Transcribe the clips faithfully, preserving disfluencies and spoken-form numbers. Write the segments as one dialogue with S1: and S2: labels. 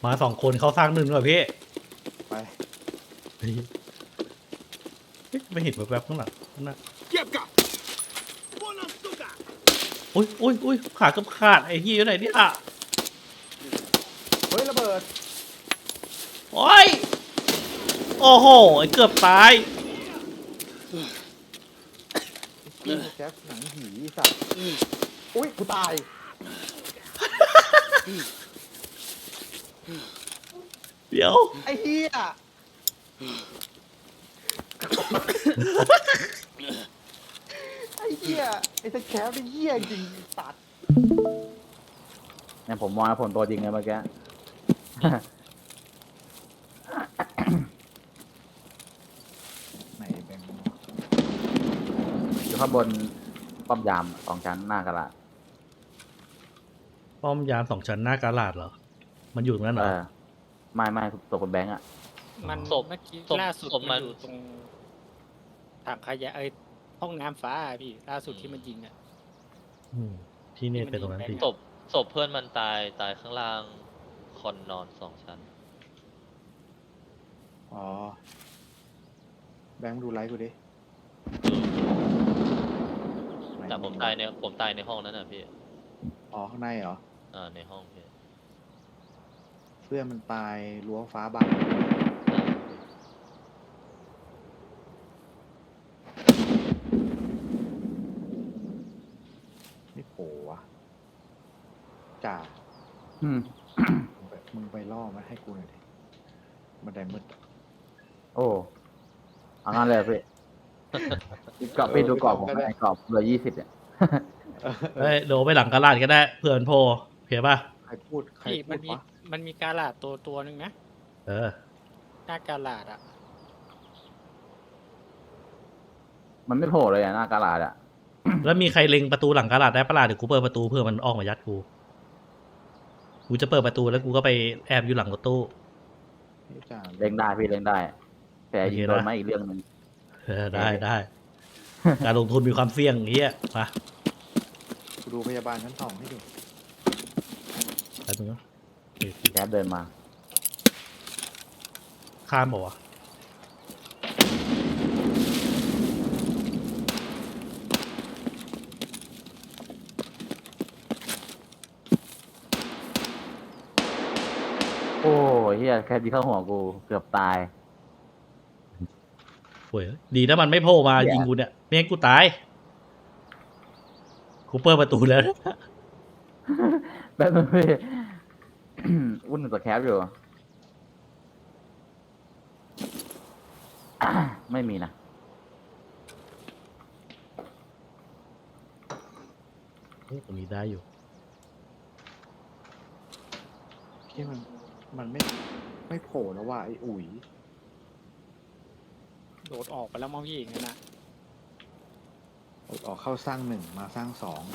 S1: มาสองคนเขาสร้างหนึ่งเหรอพี่
S2: ไป
S1: เฮ้ยไม่เห็นแวบๆข้างหลังนั่นนะอุ้ยอุ้ยอุ้ยขากับขาดไอ้ที่อยู่ไหนเนี่ย
S2: เฮ้ยระเบิด
S1: โอ้ยโอ้โหเกือบตาย
S2: นี่แจ็คหนังผีสัตว์อุ้ยกูตาย
S1: เดี๋ยว
S2: ไอ้เหี้ยไอ้เหี้ยไอ้สแคปไอ้เหี้ยจริงตัด
S3: เนี่ยผมมองแล้วผมตัวจริงเลยเมื่อกี้
S2: ไหนแบงค์
S3: อยู่ข้างบนป้อมยามสองชั้นหน้ากระดาษ
S1: ป้อมยามสองชั้นหน้ากาลาดเหรอมันอยู่ตรงนั้นเหร
S3: เอ
S1: อ
S3: อไม่ไม่ตัวคนแบงค์อ่ะ
S4: มัน
S5: ศพ
S4: เมื่อกี้
S5: ศพ
S4: ล่าสุด
S5: ศพมั
S4: มัน นอยู่ตรงถังขยะเอ้ยห้องน้ำฟ้าอะพี่ล่าสุดที่มันยิงอ่ะ
S1: อืมที่เนี่ยเป็นตรงนั้นพี่
S5: ศพศพเพื่อนมันตายตายข้างล่างคอนนอนสองชั้น
S2: อ๋อแบงค์ดูไลฟ์กูดิ
S5: แต่ผมตายในผมตายในห้องนั้นน่ะพี่
S2: อ๋อข้างในเหรอ
S5: อ่าในห้องพี่
S2: เพื่อนมันตายรั้วฟ้าบังไม่โผล่วะจ่า
S3: อืม
S2: มึงไปมึงไปล่อมาให้กูหน่อยดิบันไดมืด
S3: โอ้เอางั้นเลยพี่กรอบพี่ดูกรอบผมไอ้กรอบเหลือยี่สิบเนี่ย
S1: เฮ้ยโดไปหลังกาลาดก็ได้เพื่อนโพโอเคป่ะ
S2: ใครพูดใคร
S4: พี่
S2: พู
S4: มั
S2: ด
S4: นมี
S2: วะ
S4: มันมีกาลาดตัวตัวหนึ่งนะ
S1: เออ
S4: หน้ากาลาดอ่ะ
S3: มันไม่โผล่เลยอ่ะหน้ากระดาษอ่ะ
S1: แล้วมีใครเล็งประตูหลังกาลาดได้ปะล่ะเดี๋ยวกูเปิดประตูเพื่อมันออกมายัดกูกูจะเปิดประตูแล้วกูก็ไปแอบอยู่หลังรถตู้
S2: นี่จ่า
S3: เล่งได้พี่เล่งได้ แต่ยิงโดน
S1: โอเคนะ
S3: ไหมอีกเรื่องหนึง
S1: เออได้ได้ การลงทุนมีความเสี่ยงเฮียมา
S2: กูดูพยาบาลชั้นสองให้ดู
S1: ไปตรงนั้น
S3: แคปเดินมา
S1: ข้ามบอกว่าวะ
S3: โอ้ยเฮียแคปยิงเข้าหัวกูเกือบตาย
S1: โอ้ยดีนะมันไม่โผล่มา
S3: เหี้ย
S1: ยิงกูเนี่ยไม่งั้นกูตายกูเปิดประตูแล้ว
S3: แป๊บนึงพี่ วุ่นกับแคปอยู่ ไม่มีนะ
S1: เฮ้ยตรงนี้ได้อยู่
S2: ที่มันมันไม่ไม่โผล่แล้วว่าไอ้อุ๋ย
S4: โดดออกไปแล้วมั้งพี่อย่างนั้นนะ
S2: ออกเข้าสร้างหนึ่งมาสร้างสอง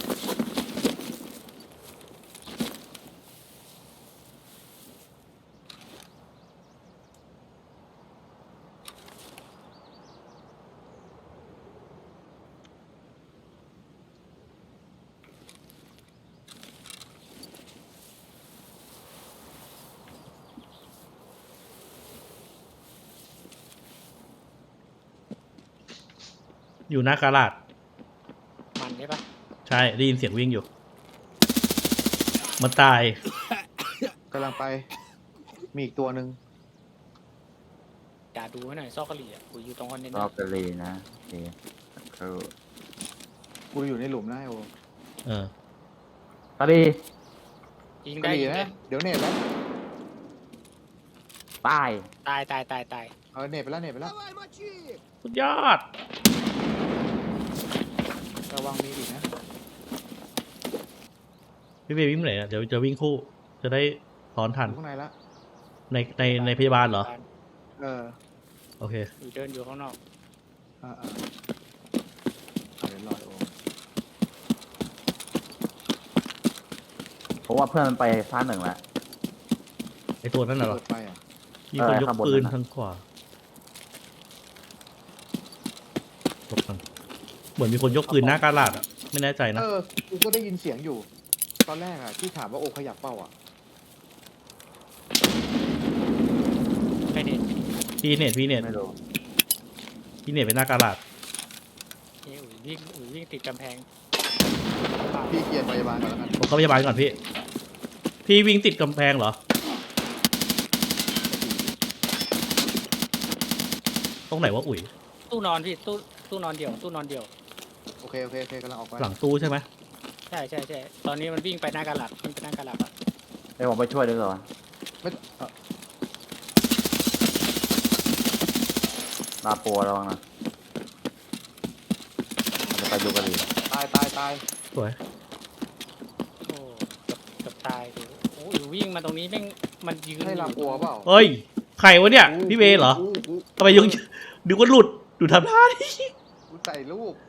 S1: อยู่หน้ากาลาด
S4: มันใช่ปะ
S1: ใช่ได้ยินเสียงวิ่งอยู่ มันตาย
S2: กำลังไป มีอีกตัวหนึ่ง
S4: จ่าดูให้หน่อยซอกกะหรี่อ่ะกูอยู่ตรงคอนเทนเน
S3: ร
S4: อ
S3: อบ
S4: ร์
S3: กะลีนะโอเคคือ
S2: กูอยู่ในหลุมนะไอ้โอ
S1: เออก
S3: ะลี
S4: ยิง
S2: ก
S4: ได้
S2: รี
S4: ยิงได้
S2: นะเดี๋ยวเน็ตแล้ว
S3: ตาย
S4: ตายตายตายตาย
S2: เออเน็ตไปแล้วเน็ตไปแล้ว
S1: สุดยอด
S2: ระวังมีอีกนะ
S1: พี่เบย์วิ่งไปไหนอะเดี๋ยวจะวิ่งคู่ จะได้ซ้อนทัน
S2: อยู่ข้างในละ
S1: ในในในพยาบาลเหรอ
S2: เออ
S1: โอเค
S4: อยู่เดินอยู่ข้างนอก
S2: อ่าอ่าเอาเดี๋ยวรอไอ้โอ
S3: ผมว่าเพื่อนมันไปท่าหนึ่งแล้ว
S1: ไอตัวนั้นน่ะเหรอ
S2: เปิดไปอ่ะ
S1: มีคนยก
S3: เออข้างบน
S1: ปืน
S3: นั่นน่ะ
S1: ทางขวาหลบก่อนเหมือนมีคนยกปืนหน้ากาลาดอ่ะ ไม่แน่ใจนะ
S2: เออกูก็ได้ยินเสียงอยู่ ตอนแรกอ่ะที่ถามว่าโอขยับเป้าอ่ะ
S1: พี่เน็ตพี่เน็ต
S3: ไม่รู้
S1: พี่เน็ตเป็นหน้ากาลาด
S4: เอ้ยอุ๋ยวิ่งอุ๋ยวิ่งติดกำแพง
S2: พี่เกียร์พยาบาลก่อนแล้วกัน
S1: ผมเข้าพยาบาลก่อนพี่ พี่วิ่งติดกำแพงเหรอ ตรงไหนวะอุ๋ย
S4: ตู้นอนพี่ตู้ตู้นอนเดี่ยวตู้นอนเดี่ยว
S2: โอเคโอเคโอเคกำลังออกไป
S1: หลังตู้ใช่ไหม
S4: ใช่ใช่ใช่ตอนนี้มันวิ่งไปหน้ากระหลัดวิ่งไปหน้ากระหลัดอะ
S3: เดี๋ยวผมไปช่วยด้วยก่อน
S2: ไม่เอ่อ
S3: ลาปัวระวังนะจะไปดูกันดี
S2: ตายตายตาย
S1: สวย
S4: โอ้เกับกับตายดูโอ้ยวิ่งมาตรงนี้แม่งมันยืน
S2: ให้ลาปัวเปล่า
S1: เฮ้ย ใครวะเนี่ย พี่เบย์เหรอ
S2: กูกู
S1: ทำไมยังดูว่าหลุด ดูทำท่าดิ
S2: กูใส่ลูก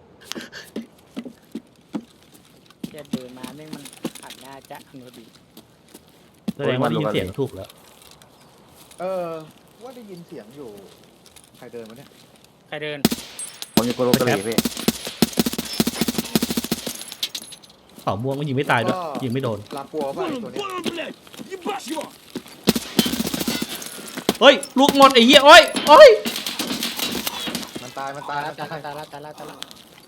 S4: แค่เดินมาแม่งมันหันหน้าจะอนุดี
S1: แสดงว่าได้ยินเสียงถูกแล้ว
S2: เออว่าได้ยินเสียงอยู่ใครเดินมาเนี่ย
S4: ใครเดิน
S3: ผมอยู่กรุกรีพี่
S1: เป่าม่วงมันยิงไม่ตายด้วย ยิงไม่โดน
S2: ลาปัวเปล่าไอ้ตัวเนี้ย
S1: เฮ้ย ลูกหมดไอ้เหี้ย โอ้ยโอ้ย
S2: มันตายมัน
S4: ตา
S2: ตาย ย
S4: แล้ว
S2: มัน
S4: ตา
S2: ตาย
S4: แล้วตายแล้วตายแล้วตายแล้ว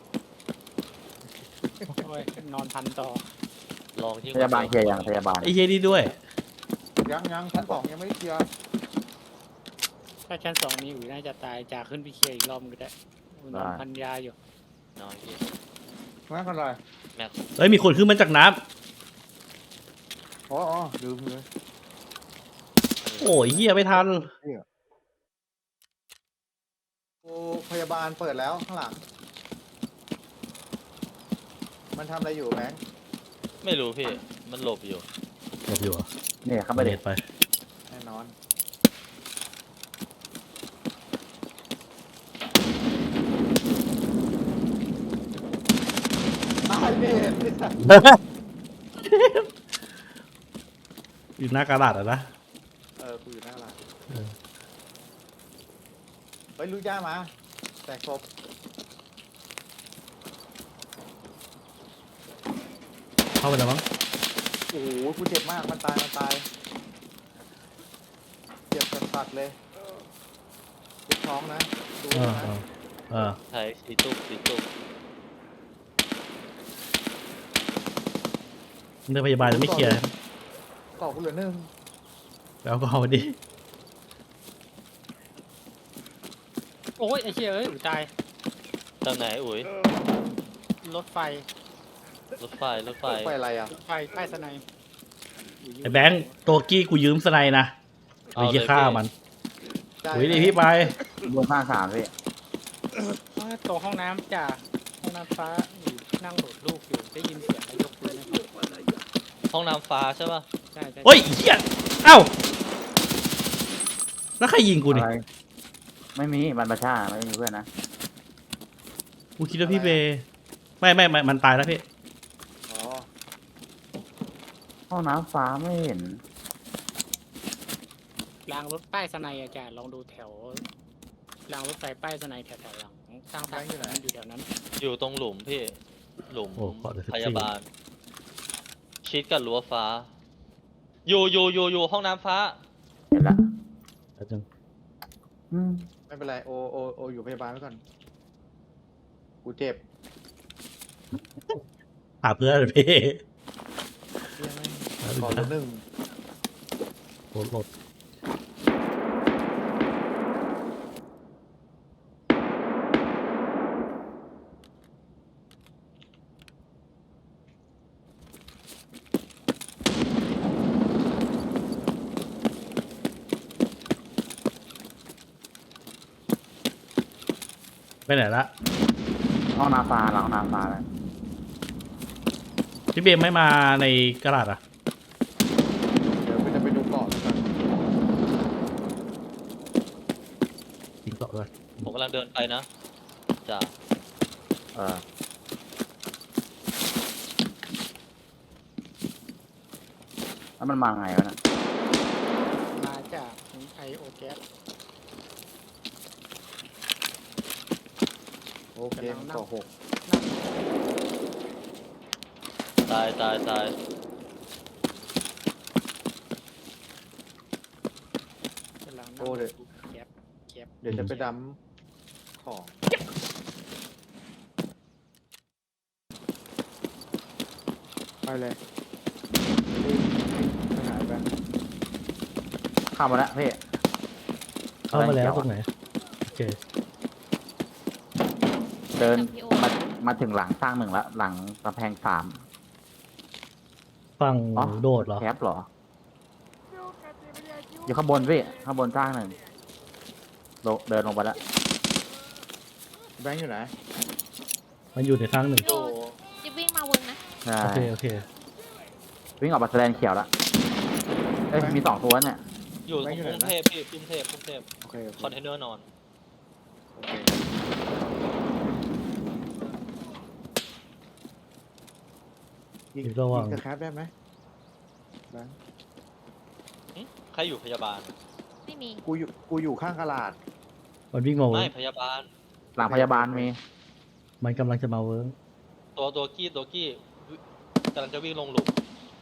S4: โอ้ยนอนพันต่อ
S5: ลองที่
S3: พยาบาลเคลียร์ยังพยาบาล
S1: ไอ้เหี้ยนี่ด้วย
S2: ยังยังชั้นสองยังไม่ได้เคลียร์
S4: ถ้าชั้นสองมีอุ๋ยน่าจะตายจากขึ้นไปเคลียร์อีกรอบก็ได้นอนพันยาอยู่
S5: น้อยพี่
S2: ไม่เป็นไร
S5: แม็ก
S1: เฮ้ย มีคนขึ้นมาจากน้
S2: อ๋ออ๋อลืมเลย
S1: ำโอ้ยเหี้ยไม่ทัน
S2: โอ้พยาบาลเปิดแล้วข้างหลัง มันทำอะไรอยู่แบงค์
S5: ไม่รู้พี่ มันหลบอยู่
S1: หลบอยู่เหรอ
S3: เนี่ยเข้าไป
S1: ไป
S3: เด็
S1: เด็
S3: ด
S1: ดไป
S2: แน่นอนตายเด็ดไอ้สัส
S1: อยู่หน้ากาลาดอ่ะนะ
S2: เออกูอยู่หน้าร้าน
S1: เออ
S2: เฮ้ยลูกย่ามาแตกศพ
S1: เข้าไปแล้วมั้ง
S2: โอ้โหกูเจ็บมากมันตายมันตายเจ็บสัดๆเลยเจ็บท้องนะดู
S1: เออ
S2: นะ
S1: เออเออ
S5: ไทยสีตุกสีตุก
S1: เรื่องพยาบาลยังไม่เคลียร์
S2: ก่อกูเหลือหนึ่ง
S1: แล้วก็เอามาดิ
S4: โอ้ยไอ้เชี่ยเอ้ยอุ๋ยตาย
S5: ตรงไหนอุ๋ย
S4: รถไฟ
S5: รถไฟ รถไฟ
S2: ไฟอะไรอ่ะ
S4: รถไฟใต้สนาย
S1: ไอ้แบงค์ตัวกี้กูยืมสไนด์นะไป
S5: เอาเลย
S1: เหี้ยฆ่า
S5: พี่
S1: มัน
S2: ใช่
S1: อุ้ยดิพี่ไป
S3: บนข้างสามพี่
S4: ตัวห้องน้ำจ่าห้องน้ำฟ้าอยู่นั่งโหลดลูกอยู่ได้ยินเสียงนายกปืนนะครับ
S5: ห้องน้ำฟ้าใช่ป่ะ
S4: ใช่ใช่
S1: เฮ้ยเหี้ยเอ้า แล้วใครยิงกูนี่
S3: อะไรไม่มีมันประชาไม่มีเพื่อนนะ
S1: กูคิดว่าพี่เบย์ไม่ไม่ไม่มันตายแล้วพี่
S2: อ๋อ
S3: ห้องน้ำฟ้าไม่เห็น
S4: รางรถป้ายสนายอาจารย์ลองดูแถวรางรถไฟป้ายสนายแถวแถวหลังข้างทางอยู่ไหนอยู่แถวนั้น
S5: อยู่ตรงหลุมพี่ หลุม
S1: โอ้ขอเดี๋ยว
S5: พยาบาล ชิดกับรั้วฟ้า อยู่อยู่อยู่อยู่ห้องน้ำฟ้า
S3: เห็นละ
S1: แป๊บนึง
S3: อืม
S2: ไม่เป็นไรโอโอโออยู่พยาบาลไว้ก่อนกูเจ็บ
S1: หาเพื่อนพี่
S2: เหี้ยแม่งก่อเหลือหนึ่ง
S1: โหลดโหลดไปไหนละ
S3: ห้องน้ำฟ้าหลังห้องน้ำฟ้าเลย
S1: พี่เบย์ไม่มาในกระดาษอ่ะ
S2: เดี๋ยวไปจะไปดูเกาะแล้วกัน
S1: ยิงต่อด้วย
S5: ผมกำลังเดินไปนะจ้า
S3: เออแล้วมันมาไงวะเนี่ย
S4: มาจากไอโอแก๊ส
S2: โอเคมันเกาะหก
S5: ตายตายตาย
S4: กำลังนั่งดูแก๊ส
S2: เดี๋ยวจะไปดำของไปเลยไปหาไป
S3: เข้ามาแล้วพี่
S1: เข้ามาแล้วตรงไหนโอเค
S3: เดิน
S6: พี่โอ
S3: มามาถึงหลังสร้างหนึ่งแล้วหลังกำแพงสาม
S1: ฝั่ง
S3: อ๋อ
S1: โดดเหรอ
S3: แคปเหรออยู่ข้างบนพี่ข้างบนสร้างหนึ่งลงเดินลงไปแล้ว
S2: แบงค์อยู่ไหน
S1: มันอยู่ในทางหนึ่ง
S6: พี่โอจะวิ่งมาวนนะ
S3: ใช่
S1: โอเคโอเค
S3: วิ่งออกมาแสดงเขียวแล้วเอ้ยมีสองตัวเนี่ย
S5: อยู่ตรงกรุงเทพพี่กรุงเทพกรุงเทพ
S2: โอเคโอเค
S5: คอนเทนเนอร์นอน
S2: โอเคยิง
S1: อยู่ระหว่าง
S2: ยิงสแครปได้ไหมแบงค์
S5: ใครอยู่พยาบาล
S6: ไม่มี
S2: กูอยู่กูอยู่ข้างกระลาด
S1: มันวิ่งมาเวิ
S5: ไม่
S1: ร์ก
S5: พยาบาล
S3: หลังพยาบาลมี
S1: มันกำลังจะมาเวิร์ก
S5: ตัวตัวกี้ตัวกี้กำลังจะวิ่งลงหลุม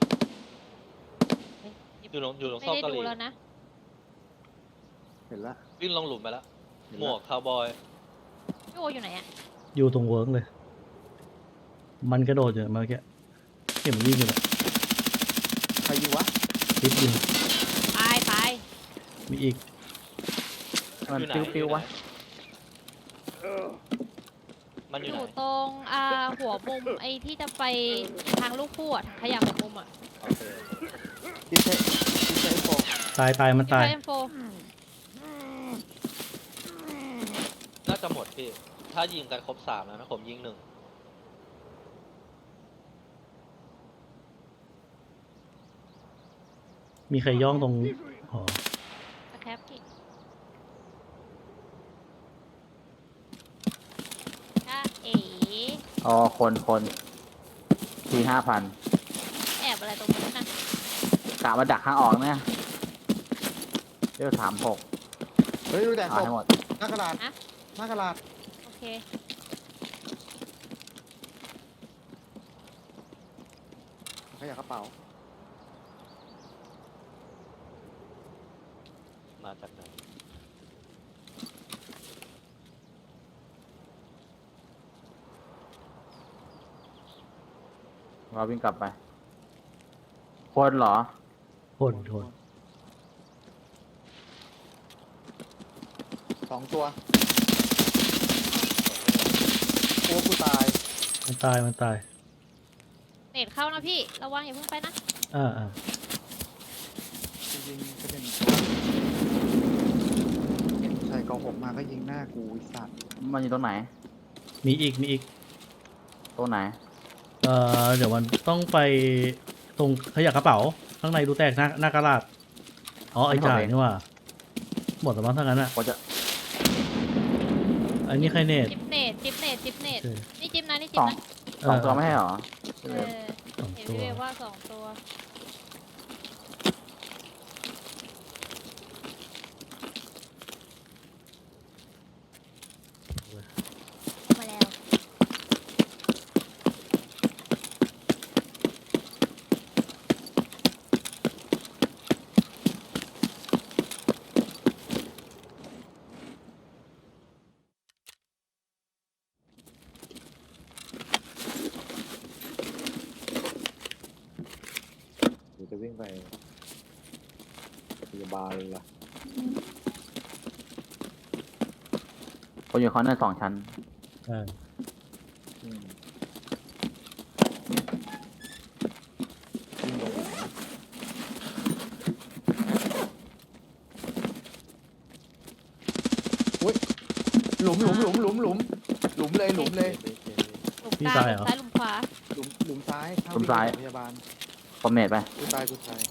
S5: อยู่ลงอยู่ลง
S6: ไม่
S5: ซอก
S6: ได้
S5: กะห
S6: ดู
S5: รี่
S6: แล้วนะ
S2: เห็นละ
S5: วิ่งลงหลุมไปแล้ว
S2: เห็น
S5: หม
S2: ละ
S5: วกคาวบอย
S6: พี่โออยู่ไหนอะ
S1: อยู่ตรงเวิร์กเลย มันกระโดดอยู่เมื่อกี้เห็นมันวิ่งอยู่เลย
S2: ใครยิงวะ
S1: คลิปยิง
S6: ไปไป
S1: มีอีก
S3: มัน
S5: อยู่ไหน
S3: ปิ้วปิ้ว
S5: อยู่ไหน
S3: วะ
S5: มัน
S6: อ
S5: อยู่ไหน
S6: ยู่ตรงอ่าหัวมุมไอ้ที่จะไปทางลูกคู่อะขยับหัวมุมอะ
S5: โอเค
S2: ดิเซดิเซโฟ
S1: ตายตายมัน
S6: ที่
S1: ตาย
S6: ไปเอ็มโฟ
S5: น่าจะหมดพี่ ถ้ายิงกันครบสามแล้วนะผมยิงหนึ่ง
S1: มีใครย่องตรงหอ
S6: สแคปพี่ถ้าเอ๋
S3: อ๋อคนคนทีห้าพัน
S6: แอบอะไรตรงนั้นนะ
S3: กะมาดักข้างออกเนี่ยเรียกสามหก
S2: เฮ้ยดูแต่
S3: เอา
S2: ศพ
S3: ให้หมด
S2: หน้ากระดาษหน้ากระดาษ
S6: โอเค
S2: ขยับกระเป๋า
S5: มาจากไหน
S3: เราวิ่งกลับไป คนเหรอ
S1: คนคน
S2: สองตัวโอ้กูตาย
S1: มันตายมันตาย
S6: เน็ตเข้านะพี่ระวังอย่าเพิ่งไปนะ
S1: อ่าอ่า
S2: จริงๆก็เป็นใส่กองหกมาก็ยิงหน้ากูไอ้สัตว์
S3: มันอยู่ตรงไหน
S1: มีอีกมีอีก
S3: ตรงไหน
S1: เอ่อเดี๋ยวมันต้องไปตรงขยะกระเป๋า ข้างในดูแตกหน้าหน้ากระดาษอ๋อไอ้จ่ายนี่ว่า หมดแล้วมั้งทั้งนั้นอ่ะ
S3: ผมจะ
S1: อันนี้ใครเนต
S6: จิปเนตจิปเนตจิปเนต
S1: โอเค
S6: นี่จิปนะนี่จิ
S3: ส
S6: ป
S3: อง
S6: นะ
S3: สองตัวไม่ให้เหรอ
S6: เออ
S1: สอง
S6: เห็น
S1: ตัว
S6: พี่เวฟว่าสองตัว มาแล้ว
S2: เดี๋ยวจะวิ่งไปพยาบาลเลยล่ะ
S3: คนอยู่คอนเนอร์สองชั้น
S1: อ่า
S2: อืมวิ่งลงอุ้ยหลุมหลุมหลุมหลุมหลุมหลุมเลยหลุมเลย
S6: หลุมกลางหลุมซ้ายหลุมขวา
S2: หลุมหลุมซ้ายเข้
S3: หลุมซ้าย
S2: พยาบาล
S3: คอมเนตไป
S2: กูตายกูตาย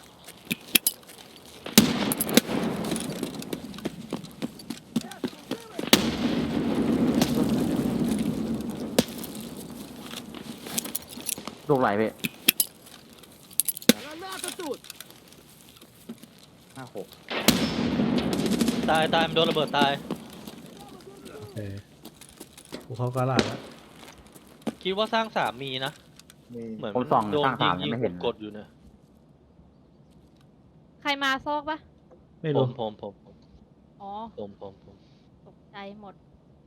S3: ลูกไหลพี่
S2: ห้าหก
S5: ตายตายมันโดนระเบิดตาย
S1: โอเคกูเข้ากระดาษแล้ว
S5: คิดว่าสร้างสามมีนะ
S2: มี
S5: เหมือน
S3: ผมส่อง
S5: โดน
S3: สร้าง
S5: ยิ
S3: สาม
S5: ง
S3: ยั
S5: ยิ
S3: ง
S5: ง
S3: ไม่เห็น
S5: กดอยู่เนี่ย
S6: ใครมาซอกปะ
S1: ไม่
S5: ผ
S1: รู้
S5: มผมผมผม
S6: อ๋อ
S5: ผมผมผม
S6: ตกใจหมด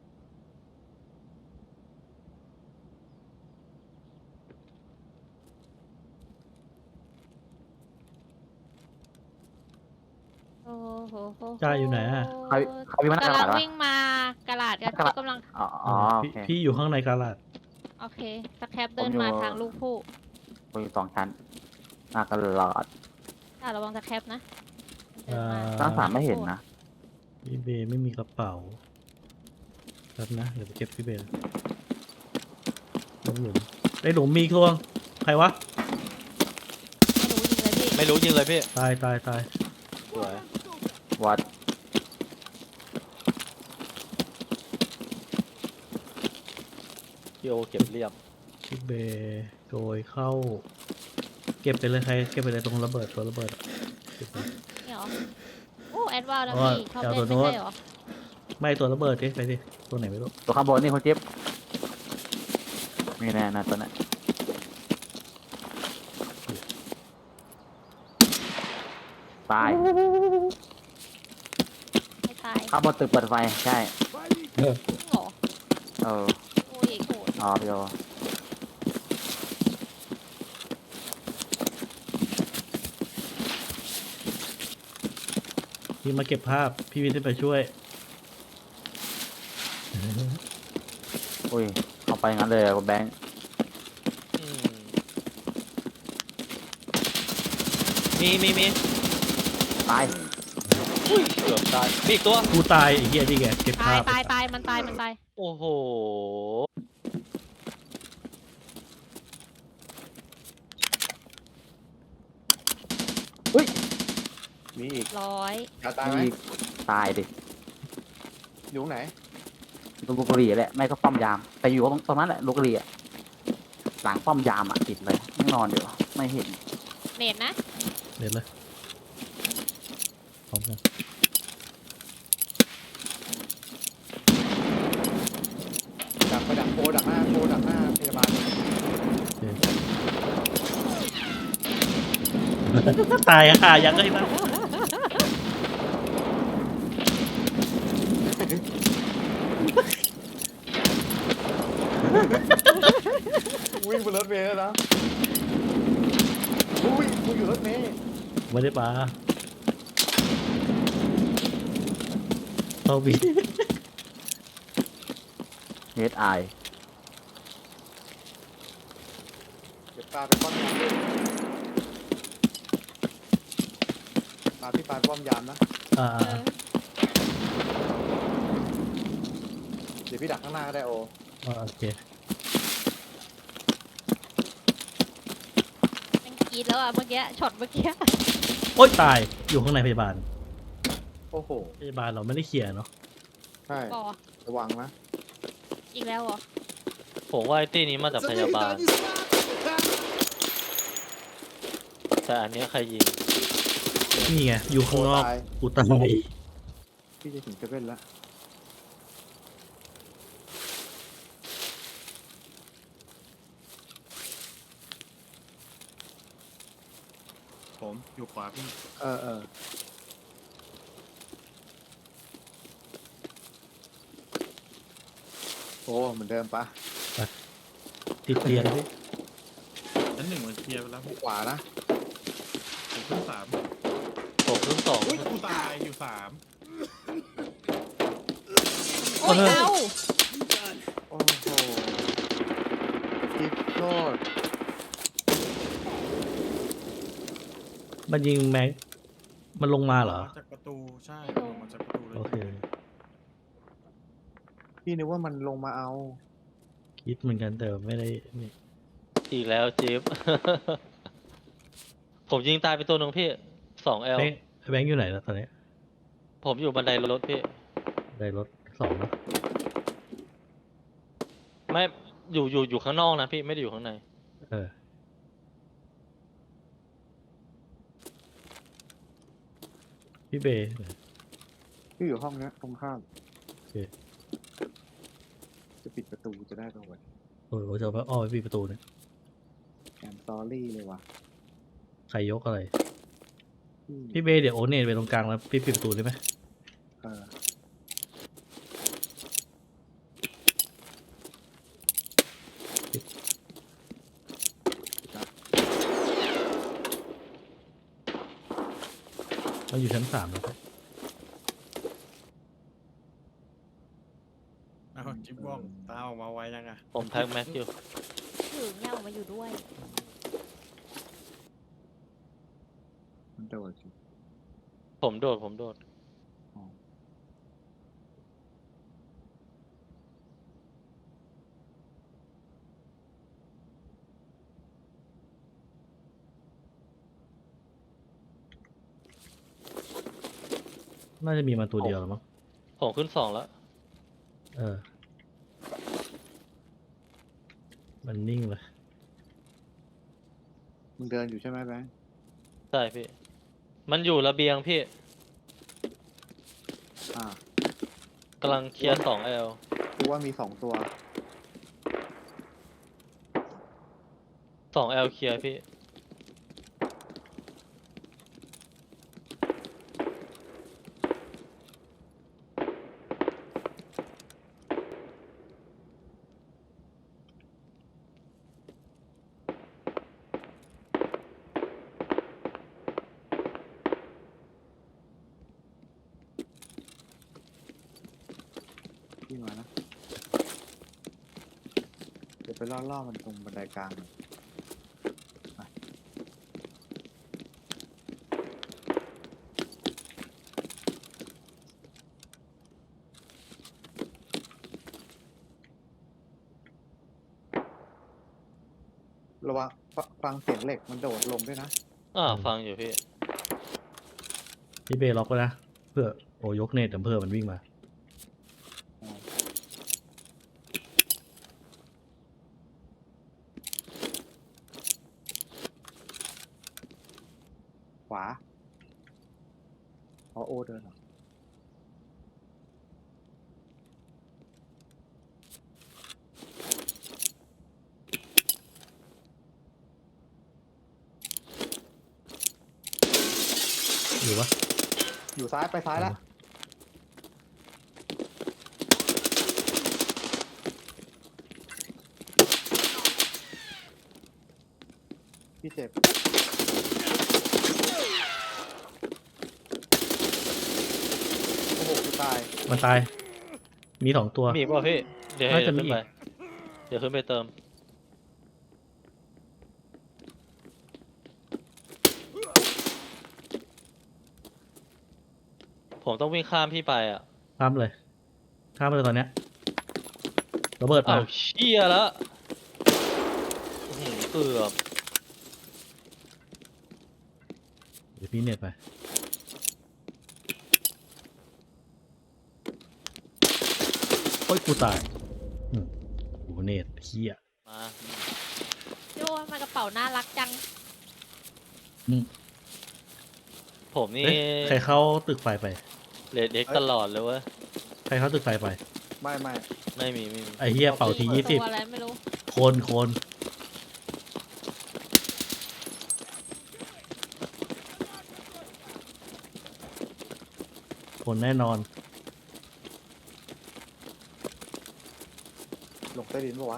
S6: โอ้โหโห
S1: จ้าอยู่ไหนอะ
S3: ใครใครมีมัน
S6: กำ
S3: ก
S6: ลั
S3: ระ
S6: ง
S3: ดาษวะ
S6: วิ่งมากระลาดกัน
S3: กระดาษ
S6: กำลัง
S3: อ๋ออ๋อโอ
S1: พี่
S3: เค
S1: พี่อยู่ข้างในกาลาด
S6: โอเคสแครปเดิ
S3: ผม
S6: น
S3: อยู่
S6: มาทางลูกผู้
S3: ผมอยู่สองชั้นหน้ากระดาษ
S6: อ่ะระวังสแครปนะเดินมา
S3: ชั้นสามไม่เห็นนะ
S1: พี่เบย์ไม่มีกระเป๋าแป๊บนะเดี๋ยวไปเก็บพี่เบย์ลงหลุมไอ้หลุมมีทวงใครวะ
S6: ไม่รู้ยิงเลยพี่
S5: ไม่รู้ยิงเลยพี่
S1: ตายตายตาย
S5: สวย
S3: วัด
S5: พี่โอเก็บเรียบ
S1: พี่เบย์โดยเข้า เก็บไปเลยใครเก็บไปเลยตรงระเบิดตัวระเบิดอะเก็บไป
S6: นี่เหรอ โอ้แอดวานแล้ว
S1: อ๋อ
S6: พี่ชอบ
S1: เอา
S6: เล่น
S1: ตัว
S6: ไม่
S1: โน้ต
S6: ใช่เหรอ
S1: ไม่ตัวระเบิดดิไปดิตัวไหนไม่รู้
S3: ตัวข้างบนนี่คุณจิ๊บมีแน่นะตัวนั้นตาย
S6: ไม่ตาย
S3: ข้างบนตึกเปิดไฟใช่
S6: จริงเหรอ
S3: เออ
S6: โอ้ยโหด
S3: อ๋อพี่โอ
S1: พี่มาเก็บภาพพี่วิทย์ไปช่วย
S3: อุ้ยเข้าไปงั้นเลยอะคุณแบงค์
S5: อืมมีมีมี
S3: ตาย
S5: อุ้ยเกือบตายมีอีกตัว
S1: กูตายไอ้เหี้ยนี่ไงเก็บ
S6: ตาย
S1: ภาพ
S6: ตายตายมันตายมันตาย
S5: โอ้โห
S2: มีอีก
S6: ร้อย
S2: อยากตายไหม
S3: อีกตายดิ
S2: อยู่ตรงไหน
S3: ตรงลูกกะหรี่แหละไม่ก็ป้อมยาม แต่อยู่ตรงตรงนั้นแหละลูกกะหรี่อะหลังป้อมยามอ่ะติดเลยไม่นอนอยู่ไม่เห็น
S6: เนตนะ
S1: เด็ดเลยพร้อมกัน
S2: ดักไปดักโคดักหน้าโคดักหน้าพยาบาล
S1: ตายค่ะยังไงนะ
S2: วิ่งบนรถเมล์แล้วนะอุ้ยกูอยู่รถเมล์
S1: ไม่ได้ปลาเอาบี
S3: เฮดไอ
S2: เดี๋ยวปลาไปป้อมยามด้วยปลาพี่ปลาป้อมยามนะ
S1: อ่า
S6: เออ
S2: เดี๋ยวพี่ดักข้างหน้าก็ได้โอ
S1: อ่าโอเค
S6: ยังกรีดแล้วอ่ะเมื่อกี้ช็อตเมื่อกี้
S1: โอ๊ยตายอยู่ข้างในพยาบาล
S2: โอ้โห
S1: พยาบาลเราไม่ได้เคลียร์เนาะ
S2: ใช่
S6: บอ
S2: ระวังนะ
S6: อีกแล้วเหรอ
S5: ผมว่าไอ้ตี้นี้มาจากพยาบาล แต่อันเนี้ยใครยิง
S1: นี่ไงอยู่ข้างนอก
S2: ตาย
S1: กูตาย
S2: พี่จะถึงเซเว่นแล้วผมอยู่ขวาพี่เออเออโอ้เหมือนเดิมปะ
S1: ติดเตียงดิ
S7: ชั้นหนึ่งมันเคลียร์ไปแล้ว
S2: ขวานะ
S7: ผมขึ้นสาม
S5: ผมขึ้นสอง
S7: อุ้ยกูตายอยู่สาม
S6: โอ้ยเอา
S2: โอ้โหจิ๊บโทษ
S1: มันยิงแม็กมันลงมาเหรอ
S7: ลงมาจากประตูใช่ลงมาจากประตูเลย
S1: โอเค
S2: พี่นึกว่ามันลงมาเอา
S1: คิดเหมือนกันแต่ไม่ได้นี่
S5: อีกแล้วจิ๊บ ผมยิงตายไปตัวหนึ่งพี่สองเอล
S1: แบงค์แบงค์อยู่ไหนแล้วตอนนี้
S5: ผมอยู่บันไดรถพี่
S1: ได้รถสองแล้ว
S5: ไม่อยู่อยู่อยู่ข้างนอกนะพี่ไม่ได้อยู่ข้างใน
S1: เออพี่เบย์
S2: พี่อยู่ห้องเนี้ยตรงข้าม
S1: โอเค
S2: จะปิดประตูจะได้ตรงไหน
S1: โอ้โหจะเอาไปอ้อไปปิดประตูเนี่ย
S2: แอมซอรี่เลยว่ะ
S1: ใครยกอะไร
S2: พี่
S1: พี่เบย์เดี๋ยวโอเนตไปตรงกลางแล้วพี่ปิดประตูได้ไหม
S2: เออ
S1: เราอยู่ชั้นสามแล้ว
S7: เอาจิ๊บบ้องตาออกมาไวยังอ่ะ
S5: ผมแพ็กแม็กอยู่
S6: ถือเนี่ยออกมาอยู่ด้วย
S2: มันโดดสิ
S5: ผมโดดผมโดด
S1: น่าจะมีมาตัวเดียวแล้วมั้ง
S5: ผมขึ้นสองแล้ว
S1: เออ มันนิ่งเลย
S2: มึงเดินอยู่ใช่ไหมแบงค์
S5: ใช่พี่ มันอยู่ระเบียงพี่
S2: อ่าก
S5: ำลังเคลียร์สองเอล
S2: กูว่ามีสองตัว
S5: สองเอลเคลียร์พี่
S2: พี่มานะ เดี๋ยวไปล่อๆมันตรงบันไดกลางหน่อยไประวังฟฟังเสียงเหล็กมันโดดลงด้วยนะ
S5: อ่าฟังอยู่พี่
S1: พี่เบย์ล็อกไว้นะ เพื่อโอยกเนตแต่เพื่อมันวิ่งมา
S2: ขวาอ๋อโอเดินเหรอ
S1: อยู่ปะ
S2: อยู่ซ้ายไปซ้ายแล้ว พี่เจ็บ โอ้โหกูตาย
S1: มันตาย มีสองตัว
S5: มีป่ะพี่ เดี๋ยวให้
S1: น่าจะ
S5: เดี๋ยว
S1: มี
S5: ขึ้น
S1: อี
S5: ไป
S1: ก
S5: เดี๋ยวขึ้นไปเติม ผมต้องวิ่งข้ามพี่ไปอ่ะ
S1: ข้ามเลย ข้ามไปเลยตอนเนี้ยระเบิดมา
S5: อ้าวเชี่ยแล้วอื้อหือเกือบ
S1: เดี๋ยวพี่เน็ตไปโอ้ยกูตายอืมกูเน็ตเฮีย
S5: มา
S6: โยมากระเป๋าน่ารักจัง
S5: ผมนี่
S1: เอ๊ะใครเข้าตึกไฟไป
S5: เลดเด็กตลอดเลยเว้ย
S1: ใครเข้าตึกไฟไป
S2: ไม่ไม่
S5: ไม่มีไม่มี
S1: ไอเฮียเป่าทียี่สิบ
S6: ตัวอะไรไม่รู้
S1: โคนโคนโคนแน่นอน
S2: ลงใต้ดินปะวะ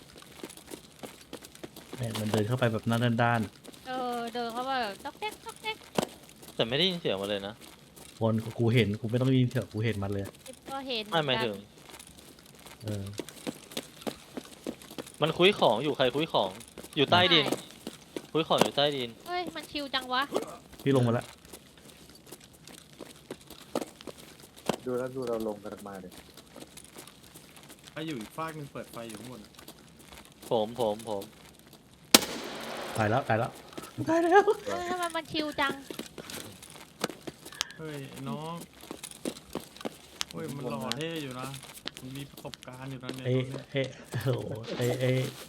S1: เนี่ยมันเดินเข้าไปแบบหน้าด้าน
S6: เออ เดินเข้าไปแบบต๊อกแต๊กต๊อกแต๊ก
S5: แต่ไม่ได้ยินเสียงมาเลยนะ
S1: ๆคนกูเห็นกูไม่ต้องได้ยินเถอะกูเห็นมันเลย
S6: จิ๊บก็เห็น
S5: ไม่หมายถึง
S1: เออ
S5: มันคุยของอยู่ใครคุยของ อยู่ใต้ดิน คุยของอยู่ใต้ดิน
S6: เฮ้ย มันชิวจังวะ
S1: พี่ลงมาแล้ว
S2: ดูแล้วดูเราลงกันมาเลย
S7: ถ้าอยู่อีกฟากหนึงเปิดไฟอยู่ข้างบนอะ
S5: ผมผมผม
S1: ตายแล้วตายแล้วตายแล้ว
S6: เฮ้ยทำไมมันชิวจัง
S7: เฮ้ยไอ้น้องเฮ้ยมันหล่อเท่อยู่นะมันมีประสบการณ์อยู่นะเนี่ย
S1: ไอ้
S7: ตัวเนี้ย
S1: ไอ้โอ้โหไอ้ไอ้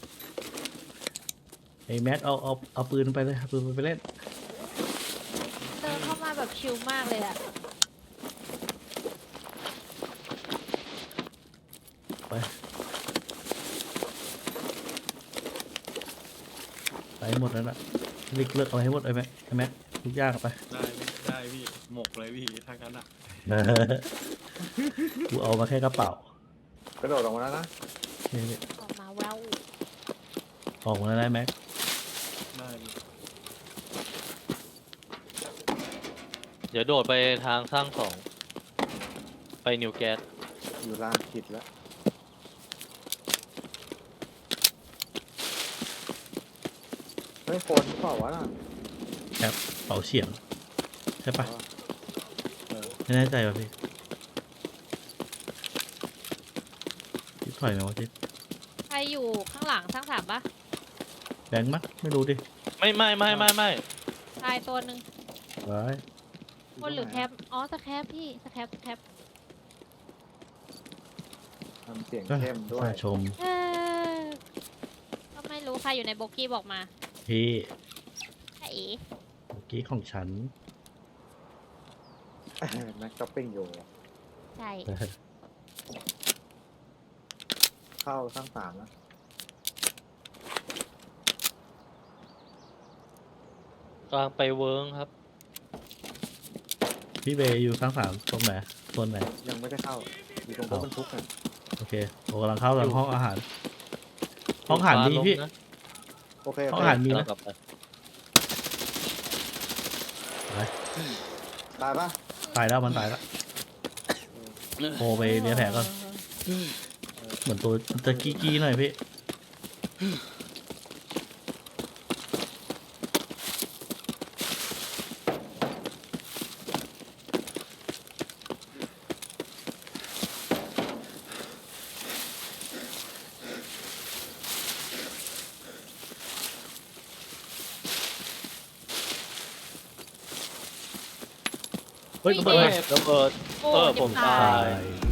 S1: ไอ้แมทเอาเอาเอาปืนไปเลยเอาปืนไปเล่น
S6: เดินเข้ามาแบบชิลมากเลยอะ
S1: ไปไปหมดแล้วล่ะลิกเลิกเอาให้หมดไอ้แม็กไอ้แม็กทุกอย่างเอาไป
S7: ได้พี่ได้พี่หมกเลยพี่ถ้างั้นอ่ะ
S1: กูเอามาแค่กระเป๋าก
S2: ระโดดออกมาแล้วนะ
S1: โอเคพี่
S6: ออกมาแวว
S1: ออกมาได้แม็ก
S7: ได้พี่
S5: เดี๋ยวโดดไปทางสร้างสองไปนิวแก๊ส
S2: อยู่ลานขิดแล้วเฮ้ยโฟนเปล่าวะน่ะ
S1: เป๋าเฉียงใช่ปะ
S2: เออ
S1: ไม่แน่ใจว่ะพี่ทิศถอยไหมวะทิศ
S6: ใครอยู่ข้างหลังสร้างสามปะ
S1: แบงค์มั้ยไม่รู้ดิ
S5: ไม่ไม่ไม่ไม่ไม่
S6: ชายตัวหนึ่ง
S1: ไว้าย
S6: บนหรือแคปอ๋อสแคปพี่สแคปสแคป
S2: ทำเสียงเข้มด้วย
S1: สาชม
S6: เออก็ไม่รู้ใครอยู่ในโบกี้บอกมา
S1: พี่
S6: ใช่เอ๋
S1: เมื่อกี้ของฉัน
S2: แม็กช้อปปิ้งอยู่
S6: ใช่
S2: เข้าสร้างสามแล้ว
S5: กลางไปเวิร์งครับ
S1: พี่เบย์อยู่ข้างสามตรงไหนโซนไหน
S2: ยังไม่ได้เข้าอยู่ตรงรถบรรทุกอ่ะ
S1: โอเคโอ้กำลังเข้าทางห้องอาหาร ห้องอาหารมีพี่
S5: นะ
S2: โอเค
S1: ห้องอาหารมี
S5: เรา
S1: นะ
S5: กลับไป
S2: ตายปะ
S1: ตายแล้วมันตายแล้วโอไปเลี้ยแผลก่อนเหมือนตัวมันจะกี้กี้หน่อยพี่ เฮ้ยระเบิด
S5: เฮ้ยระเบิด
S6: โอ้
S5: เออ
S6: เจ็
S5: ผ
S6: บ
S5: ม
S6: ตา
S5: ตาย
S1: ตาย